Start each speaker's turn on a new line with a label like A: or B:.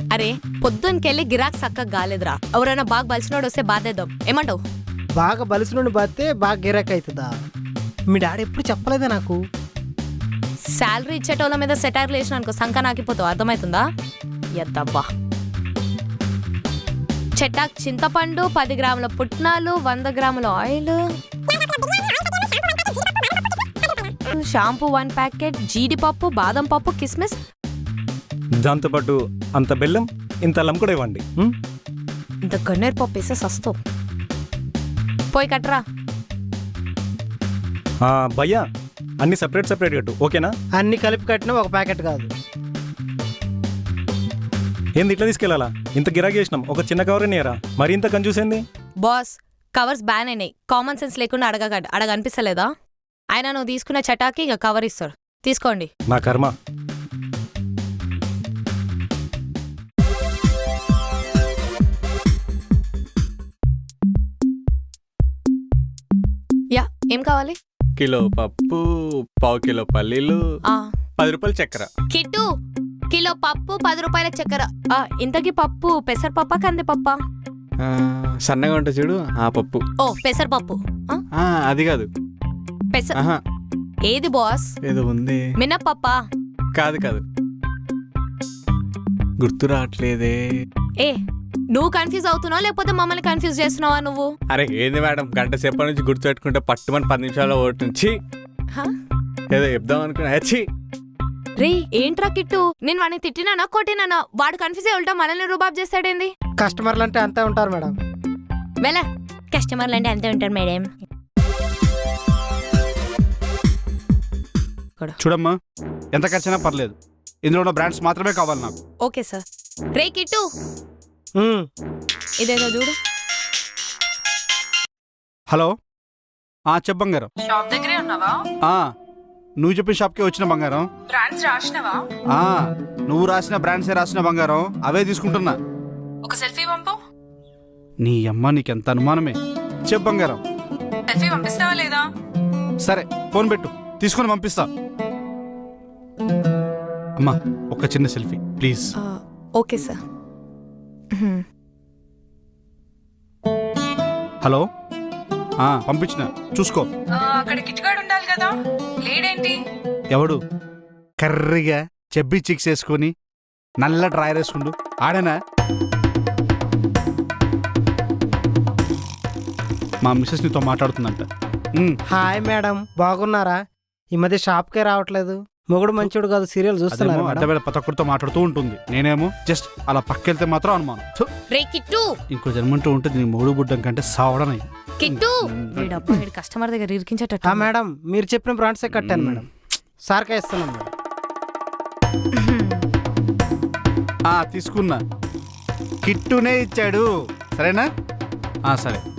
A: అరే పొద్దునకెళ్ళి గిరాక్ సక్కగా గాలేదురా. ఎవరైనా బాగా బలిసినోడు వస్తే బాధేద్దాం. ఏమంటావు?
B: బాగా బలిసినోడిని బాస్తే బాగా గిరాక్ అవుతుందా? మీ డాడీ ఎప్పుడు చెప్పలేదా నాకు?
A: శాలరీ ఇచ్చేటోళ్ళ మీద సెటైర్లు వేసిన అనుకో సంక నాకిపోతావు. అర్థమవుతుందా? ఎద్దబ్బా. చెట్టాక్ చింతపండు, 10 గ్రాముల పుట్నాలు, 100 గ్రాముల ఆయిల్, షాంపూ 1 ప్యాకెట్, జీడిపప్పు, బాదం పప్పు, కిస్మిస్,
C: దాంతోపాటు అంత బెల్లం, ఇంత అల్లం కూడా ఇవ్వండి.
A: ఇంత గన్నేరు పప్పు వేసే సస్తో. పోయి కట్టరా.
C: భయ్యా అన్ని సపరేట్ సపరేట్ కట్టు, ఓకేనా?
B: అన్ని కలిపి కట్టినా ఒక ప్యాకెట్ కాదు.
C: ఏంది ఇట్లా తీసుకెళ్ళాలా? ఇంత గిరాకీ చేసినాం, ఒక చిన్న కవర్ నేరా, మరి ఇంత కన్ఫ్యూజ్ ఏంది?
A: బాస్, కవర్స్ బ్యాన్ అయినాయి. కామన్ సెన్స్ లేకుండా అడగనిపిస్తలేదా? ఆయన నువ్వు తీసుకునే చటాకి ఇక కవర్ ఇస్తారు. తీసుకోండి.
C: నా కర్మ.
A: యా, ఏం కావాలి?
D: కిలో పప్పు, పావు కిలో పల్లీలు, 10 రూపాయలు చక్కెర.
A: కిట్టు, కిలో పప్పు, 10 రూపాయల చక్కెర. ఇంతకీ పప్పు పెసరపప్ప కందిపప్ప?
D: సన్నగా ఉంటుంది చూడు, ఆ పప్పు.
A: ఓ పెసరపప్పు.
D: అది కాదు.
A: ఏది బాస్?
D: ఏదో ఉంది.
A: మినప్పప్ప?
D: కాదు కాదు, గుర్తు రావట్లేదే.
A: ఏ నువ్వు కన్ఫ్యూజ్ అవుతున్నావు లేకపోతే మమ్మల్ని కన్ఫ్యూజ్ చేస్తున్నావా నువ్వు?
D: అరే ఏంది మేడం, గంట సేపటి నుంచి గుర్తు పెట్టుకుంటే పట్టుమని 10 నిమిషాల్లో ఓటు నుంచి ఏదో చెప్దాం అనుకున్నా.
A: రే ఏంట్రా కిట్టు, నేను వాడిని తిట్టినానా కొట్టినానా? వాడు కన్ఫ్యూజ్ అయి ఉంటా మనల్ని రూబాబ్ చేస్తాడేంది?
B: కస్టమర్లు అంటే అంతే ఉంటారు మేడం.
A: వెళ్ళ, కస్టమర్లు అంటే అంతే ఉంటారు మేడం.
E: చూడమ్మా, ఎంత ఖర్చైనా పర్లేదు, ఇందులో ఉన్న బ్రాండ్స్ మాత్రమే కావాలి నాకు.
A: Okay sir. రే కిట్టు, ఇదేదో చూడు.
E: హలో, చెప్పు బంగారం.
F: షాప్ దగ్గరే ఉన్నావా?
E: నువ్వు చెప్పిన షాప్కే వచ్చిన బంగారం.
F: బ్రాండ్స్ రాసినవా?
E: నువ్వు రాసిన బ్రాండ్సే రాసిన బంగారం, అవే తీసుకుంటున్నా.
F: ఒక సెల్ఫీ పంపు.
E: నీ అమ్మ నీకెంత అనుమానమే. చెప్పు బంగారం.
F: సెల్ఫీ పంపిస్తావా లేదా?
E: సరే ఫోన్ పెట్టు, తీసుకొని పంపిస్తా. అమ్మా ఒక చిన్న selfie please.
A: Okay sir.
E: Hello, పంపించిన చూసుకో.
F: అక్కడ కిట్గాడు ఉండాలి కదా, లేడేంటి?
E: ఎవడు? కర్రీగా చెబ్బి చిక్స్ వేసుకొని నల్ల డ్రైర్ వేసుకుండు ఆడేనా? మా మిస్సెస్ నీతో మాట్లాడుతుందంట.
B: హాయ్ మేడం, బాగున్నారా? ఈ మధ్య షాప్కే రావట్లేదు. మొగుడు మంచోడు కాదు, సీరియల్ చూస్తున్నారు.
E: అడ్డవేళ ప్రతి ఒక్కరితో మాట్లాడుతూ ఉంటుంది, నేనేమో జస్ట్ అలా పక్కెళ్తే మాత్రం అనుమానం.
A: రే కిట్టు,
E: ఇంకో జన్మంటూ ఉంటుంది నీ మొగుడు బుడ్డం కంటే సావడనయ్యి.
A: కిట్టు కస్టమర్ దగ్గర ఇరికించేట.
B: మేడం మీరు చెప్పిన బ్రాండ్సే కట్టాను మేడం. సార్కే ఇస్తున్నాను మేడం.
E: తీసుకున్నా, కిట్టునే ఇచ్చాడు. సరేనా? సరే.